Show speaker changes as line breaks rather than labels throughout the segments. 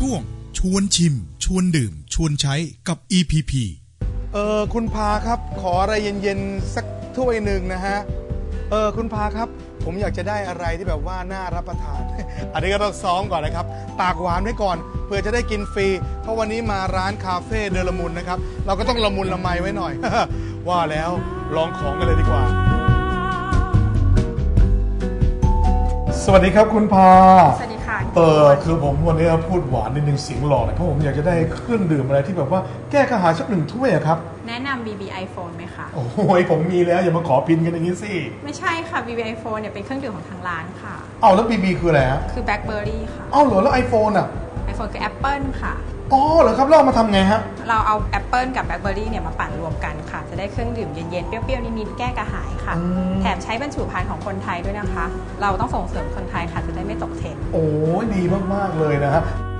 ช่วงชวนชิมชวนดื่มชวนใช้กับ EPP
คุณพาครับขออะไรเย็นๆสักถ้วยหนึ่งนะฮะคุณพาครับผมอยากจะได้อะไรที่แบบว่าน่ารับประทาน อันนี้ก็ต้องซ้อมก่อนนะครับปากหวานไว้ก่อนเพื่อจะได้กินฟรีเพราะวันนี้มาร้านคาเฟ่เดลมุนนะครับเราก็ต้องละมุนละไมไว้หน่อย ว่าแล้วลองของกันเลยดีกว่าสวัสดีครับคุณพา
สวัสดีค่ะ
คือผมวันนี้พูดหวานนิดนึงเสียงหล่อหน่อยเพราะผมอยากจะได้เครื่องดื่มอะไรที่แบบว่าแก้กระหายสัก1 ถ้วยครับ
แนะนำ BB iPhone ไหมคะ
โอ้ยผมมีแล้วอย่ามาขอพินกันอย่างนี้สิ
ไม่ใช่ค่ะ BB iPhone เนี่ยเป็นเครื่องดื่มของทางร้านค่ะ
แล้ว BB คืออะไรฮะ
คือ Blackberry ค่ะ
เหรอแล้ว iPhone อ่ะ
iPhone คือ Apple ค่ะ
เหรอครับเราเอามาทำไงฮะ
เราเอา Apple กับ Blackberry เนี่ยมาปั่นรวมกันค่ะจะได้เครื่องดื่มเย็นๆเปรี้ยวๆนิดๆแก้กระหายค่ะแถมใช้บรรจุภัณฑ์ของคนไทยด้วยนะคะเราต้องส่งเสริมคนไทยค่ะจะได้ไม่ตกเทรนด์
โอ้ยดีมากๆเลยนะฮะ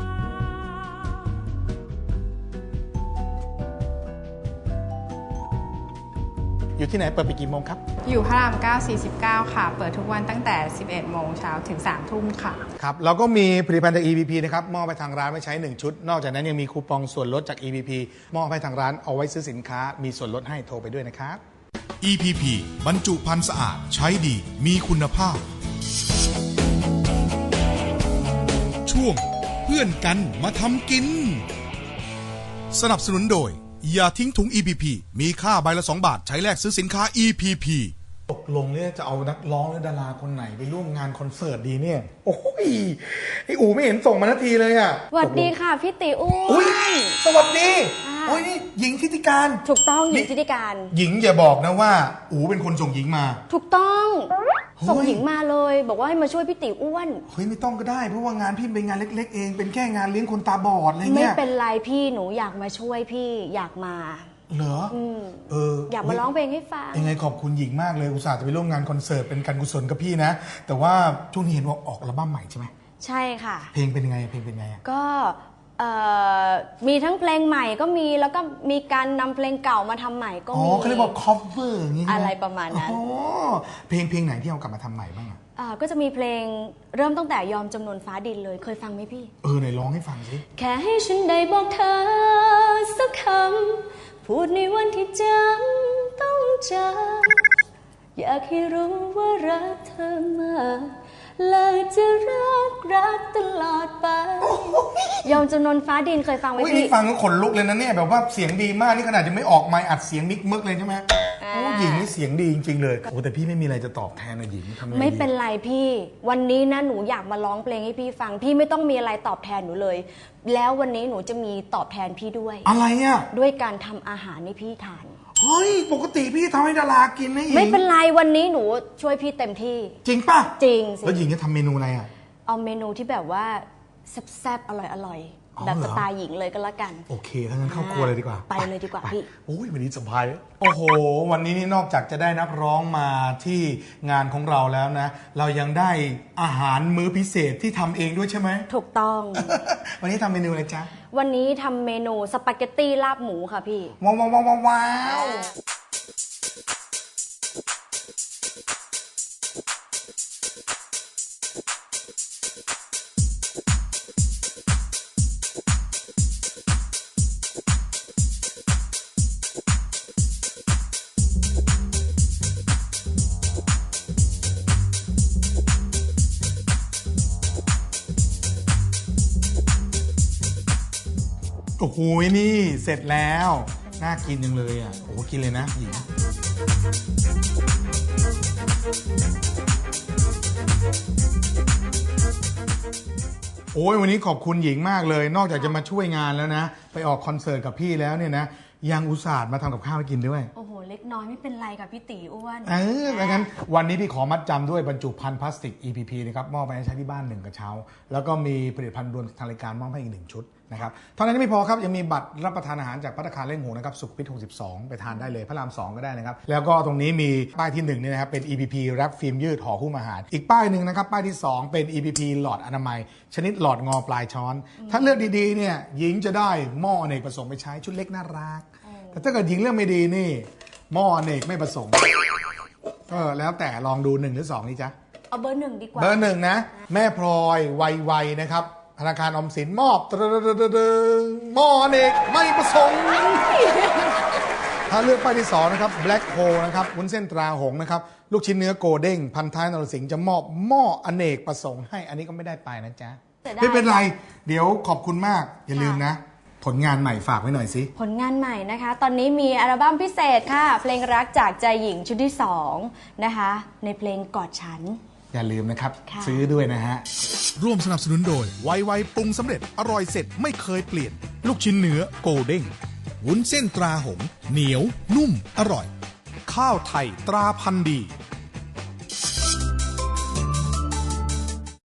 อยู่ที่ไหนเปิดไปกี่โมงครับ
อยู่พระราม 9 49 ค่ะเปิดทุกวันตั้งแต่ 11 โมงเช้าถึง 3 ทุ่มค่ะ
ครับเราก็มีผลิตภัณฑ์จาก EPP นะครับมอบไปทางร้านไว้ใช้1 ชุดนอกจากนั้นยังมีคูปองส่วนลดจาก EPP มอบให้ทางร้านเอาไว้ซื้อสินค้ามีส่วนลดให้โทรไปด้วยนะครับ
EPP บรรจุภัณฑ์สะอาดใช้ดีมีคุณภาพช่วงเพื่อนกันมาทำกินสนับสนุนโดยอย่าทิ้งถุง EPP มีค่าใบละ2 บาทใช้แลกซื้อสินค้า EPP
ตกลงเนี่ยจะเอานักร้องหรือดาราคนไหนไปร่วมงานคอนเสิร์ตดีเนี่ยโอ้ยไออูไม่เห็นส่งมานาทีเลยอ่ะ
สวัสดีค่ะพี่ติอ้วน
สวัสดีโอ้ยนี่หญิงทิติการ
ถูกต้องหญิงทิติการ
หญิงอย่าบอกนะว่าอูเป็นคนส่งหญิงมา
ถูกต้องส่งหญิงมาเลยบอกว่าให้มาช่วยพี่ติอ้วน
เฮ้ยไม่ต้องก็ได้เพราะว่างานพี่เป็นงานเล็กๆเองเป็นแค่งานเลี้ยงคนตาบอดอะไรเงี้ย
ไม่เป็นไรพี่หนูอยากมาช่วยพี่อยากมา
เหรอ
อยากมาร้องเพลงให้ฟัง
ยังไงขอบคุณหญิงมากเลยอุตส่าห์จะไปร่วมงานคอนเสิร์ตเป็นการกุศลกับพี่นะแต่ว่าช่วงนี้เห็นว่าออกอัลบั้มใหม่ใช่ไหม
ใช่ค่ะ
เพลงเป็นยังไง
ก็มีทั้งเพลงใหม่ก็มีแล้วก็มีการนำเพลงเก่ามาทำใหม่ก็มี
เขาเรียกว่า cover อย่างงี้
อะไรประมาณนั้น
เพลงไหนที่เอากลับมาทำใหม่บ้าง
ก็จะมีเพลงเริ่มตั้งแต่ยอมจำนวนฟ้าดินเลยเคยฟังไหมพี่
ไหนร้องให้ฟังสิ
แค่ให้ฉันได้บอกเธอสักคำพูดในวันที่จำต้องเจออยากให้รู้ว่ารักเธอมากและจะรักตลอดไปยอมจำนวนฟ้าดินเคยฟังไหมพี่
ฟังก็ขนลุกเลยนะเนี่ยแบบว่าเสียงดีมากนี่ขนาดยังไม่ออกไมค์อัดเสียงมิกมึกเลยใช่ไหมหญิงนี่เสียงดีจริงๆเลยแต่พี่ไม่มีอะไรจะตอบแทนนะหญิงทำไง
ไม่เป็นไรพี่วันนี้นะหนูอยากมาร้องเพลงให้พี่ฟังพี่ไม่ต้องมีอะไรตอบแทนหนูเลยแล้ววันนี้หนูจะมีตอบแทนพี่ด้วย
อะไรอ่ะ
ด้วยการทำอาหารให้พี่ทาน
เฮ้ยปกติพี่ทำให้ดารากินนะหญิง
ไม่เป็นไรวันนี้หนูช่วยพี่เต็มที่
จริงป่ะ
จริงสิ
แล้วหญิงจะทำเมนูอะไรอ่ะ
เอาเมนูที่แบบว่าแซ่บๆอร่อยแบบสไตล์หญิงเลยก็แล้วกัน
โอเคถ้างั้นเข้าครัวเลยดีกว่า
ไปเลยดีกว่าพี่
โอ้ยวันนี้สบายโอ้โหวันนี้นี่นอกจากจะได้นักร้องมาที่งานของเราแล้วนะเรายังได้อาหารมื้อพิเศษที่ทำเองด้วยใช่ไหม
ถูกต้อง
วันนี้ทำเมนูอะไรจ๊ะ
วันนี้ทำเมนูสปาเกตตี้ลาบหมูค่ะพี่
ว้าวโอ้โหนี่เสร็จแล้วน่ากินจังเลยอ่ะโอ้โหกินเลยนะหญิงโอ้ยวันนี้ขอบคุณหญิงมากเลยนอกจากจะมาช่วยงานแล้วนะไปออกคอนเสิร์ตกับพี่แล้วเนี่ยนะยังอุตส่าห์มาทำกับข้าวให้กินด้วย
โอ้โหเล็กน้อยไม่เป็นไรกับพี่ตีอ้วน
ดังนั้นวันนี้พี่ขอมัดจำด้วยบรรจุภัณฑ์พลาสติก EPP นะครับมอบไปให้ใช้ที่บ้าน1 กระเช้าแล้วก็มีผลิตภัณฑ์รวมทางรายการมอบให้อีก1 ชุดนะครับเท่านั้นไม่พอครับยังมีบัตรรับประทานอาหารจากภัตตาคารเล่งหงนะครับสุขุมวิท62ไปทานได้เลยพระราม2ก็ได้นะครับแล้วก็ตรงนี้มีป้ายที่1นี่นะครับเป็น EPP แรปฟิล์มยืดห่อหุ้มอาหารอีกป้ายหนึ่งนะครับป้ายที่2เป็น EPP หลอดอนามัยชนิดหลอดงอปลายช้อนถ้าเลือกดีๆเนี่ยหญิงจะได้หม้ออเนกประสงค์ไปใช้ชุดเล็กน่ารักแต่ถ้าเกิดหญิงเลือกไม่ดีนี่หม้ออเนกไม่ประสงค์แล้วแต่ลองดู1 หรือ 2นี่จ๊ะ
เอาเบอร์ 1ดีกว่า
เบอร์ 1นะแม่พลอยวัยนะครับธนาคารออมสินมอบหม้ออเนกไม่ประสงค์ถ้าเลือกป้ายที่2นะครับ Black Hole นะครับวุ้นเส้นตราหงส์นะครับลูกชิ้นเนื้อโกเด้งพันท้ายนรสิงห์จะมอบหม้ออเนกประสงค์ให้อันนี้ก็ไม่ได้ไปนะจ๊ะไม่เป็นไรเดี๋ยวขอบคุณมากอย่าลืมนะผลงานใหม่ฝากไว้หน่อยสิ
ผลงานใหม่นะคะตอนนี้มีอัลบั้มพิเศษค่ะเพลงรักจากใจหญิงชุดที่2นะคะในเพลงกอดฉัน
อย่าลืมนะครับซื้อด้วยนะฮะ
ร่วมสนับสนุนโดยไวปรุงสำเร็จอร่อยเสร็จไม่เคยเปลี่ยนลูกชิ้นเนื้อโกเด้งวุ้นเส้นตราหงส์เหนียวนุ่มอร่อยข้าวไทยตราพันธุ์ดี